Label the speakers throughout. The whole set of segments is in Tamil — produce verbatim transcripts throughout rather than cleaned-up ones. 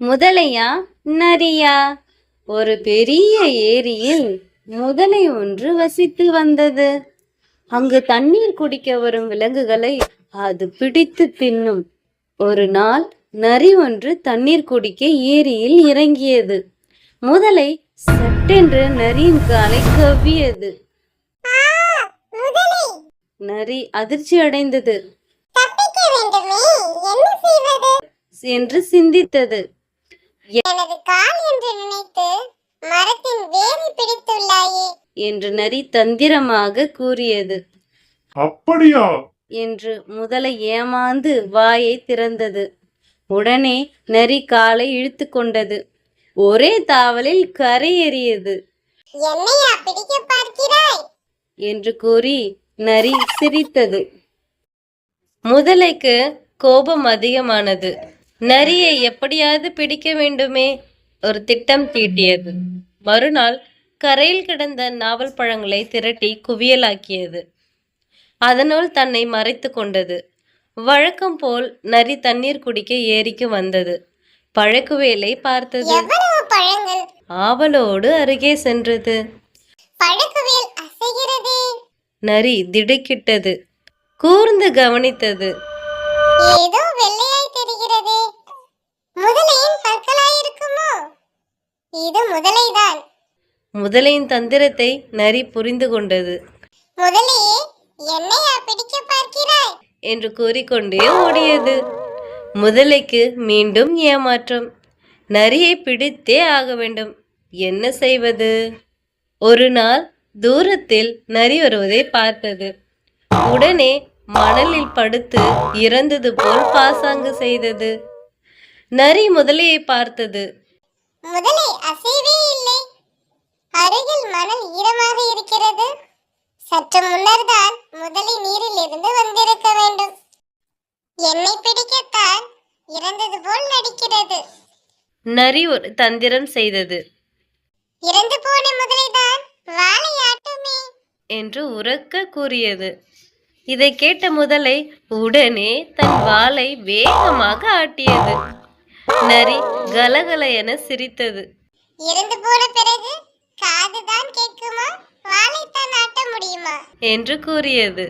Speaker 1: முதலையா நரியா? ஒரு பெரிய ஏரியில் முதலை ஒன்று வசித்து வந்தது. அங்கு தண்ணீர் குடிக்க வரும் விலங்குகளை அது பிடித்து தின்னும். ஒரு நாள் நரி ஒன்று தண்ணீர் குடிக்க ஏரியில் இறங்கியது. முதலை சட்டென்று நரியின் காலை கவ்வியது. நரி அதிர்ச்சி அடைந்தது என்று சிந்தித்தது.
Speaker 2: எனது கால் என்று நினைத்து மரத்தின் வேரை பிடித்துள்ளாயே
Speaker 1: என்று நரி தந்திரமாக கூறியது.
Speaker 3: அப்படியா
Speaker 1: என்று முதலை ஏமாந்து வாயை திறந்தது. உடனே நரி காலை இழுத்து கொண்டது. ஒரே தாவலில் கரையேறியது.
Speaker 2: என்னையா பிடிக்க பார்க்கிறாய்
Speaker 1: என்று கூறி நரி சிரித்தது. முதலைக்கு கோபம் அதிகமானது. நரியை எப்படியாவது பிடிக்க வேண்டுமே ஒரு திட்டம் தீட்டியது. மறுநாள் கரையில் கிடந்த நாவல் பழங்களை திரட்டி குவியலாக்கியது. அதனுள் தன்னை மறைத்து கொண்டது. வழக்கம் போல் நரி தண்ணீர் குடிக்க ஏரிக்கு வந்தது. பழக்குவேலை பார்த்தது.
Speaker 2: எவ்வளவு பழங்கள்
Speaker 1: ஆவலோடு அருகே சென்றது.
Speaker 2: பழக்குவேல் அசைகிறதே.
Speaker 1: நரி திடுக்கிட்டது. கூர்ந்து கவனித்தது.
Speaker 2: ஏதோ வெள்ளையாய் தெரிகிறதே. முதலையின் பற்களாயிருக்குமோ? இது முதலைதான்.
Speaker 1: முதலையின் தந்திரத்தை நரி புரிந்து கொண்டது.
Speaker 2: முதலையே, என்னையா பிடிக்க பார்க்கிறாய்
Speaker 1: என்று கூறிக்கொண்டே ஓடியது. முதலைக்கு மீண்டும் ஏமாற்றம். நரியை பிடித்தே ஆக வேண்டும். என்ன செய்வது? ஒரு நாள் தூரத்தில் நரி வருவதை பார்த்தது. உடனே மணலில் படுத்து இறந்தது போல் பாசாங்கு செய்தது. நரி முதலையை பார்த்தது.
Speaker 2: முதலை அசைவே இல்லை. அருகில் மணல் ஈரமாக இருக்கிறது. சற்று முன்னர்தான் முதலை நீரில் இருந்து வந்திருக்க வேண்டும். என்னை பிடிக்கத்தான் இறந்தது போல் நடிக்கிறது.
Speaker 1: நரி ஒரு தந்திரம் செய்தது.
Speaker 2: இறந்து போன முதலைதான் வாளை ஆட்டுமே
Speaker 1: என்று உரக்க கூறியது. இதை கேட்ட முதலை உடனே தன் வாளை வேகமாக ஆட்டியது. நரி கலகல என சிரித்தது.
Speaker 2: இறந்து போன பிறகு காதுதான் கேட்குமா, வாளைத்தான் ஆட்ட முடியுமா
Speaker 1: என்று கூறியது.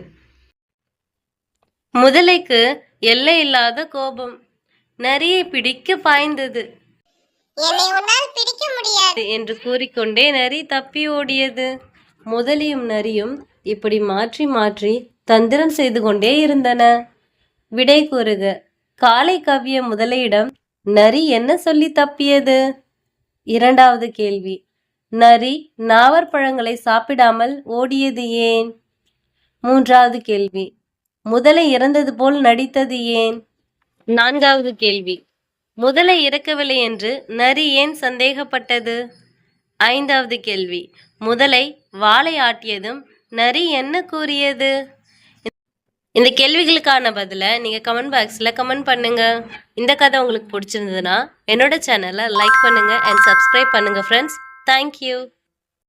Speaker 1: முதலைக்கு எல்லையில்லாத கோபம். நரியை பிடிக்க பாய்ந்தது.
Speaker 2: என்னை உன்னால் பிடிக்க முடியாது
Speaker 1: என்று கூறிக்கொண்டே நரி தப்பி ஓடியது. முதலியும் நரியும் இப்படி மாற்றி மாற்றி தந்திரம் செய்து கொண்டே இருந்தன. விடை கூறுக. காலை கவ்விய முதலையிடம் நரி என்ன சொல்லி தப்பியது? இரண்டாவது கேள்வி. நரி நாவற்பழங்களை சாப்பிடாமல் ஓடியது ஏன்? மூன்றாவது கேள்வி. முதலை இறந்தது போல் நடித்தது ஏன்? நான்காவது கேள்வி. முதலை இறக்கவில்லை என்று நரி ஏன் சந்தேகப்பட்டது? ஐந்தாவது கேள்வி. முதலை வாளை ஆட்டியதும் நரி என்ன கூறியது? இந்த கேள்விகளுக்கான பதிலை நீங்கள் கமெண்ட் பாக்ஸில் கமெண்ட் பண்ணுங்கள். இந்த கதை உங்களுக்கு பிடிச்சிருந்ததுன்னா என்னோட சேனலை லைக் பண்ணுங்கள் அண்ட் சப்ஸ்கிரைப் பண்ணுங்கள் ஃப்ரெண்ட்ஸ். தேங்க்யூ.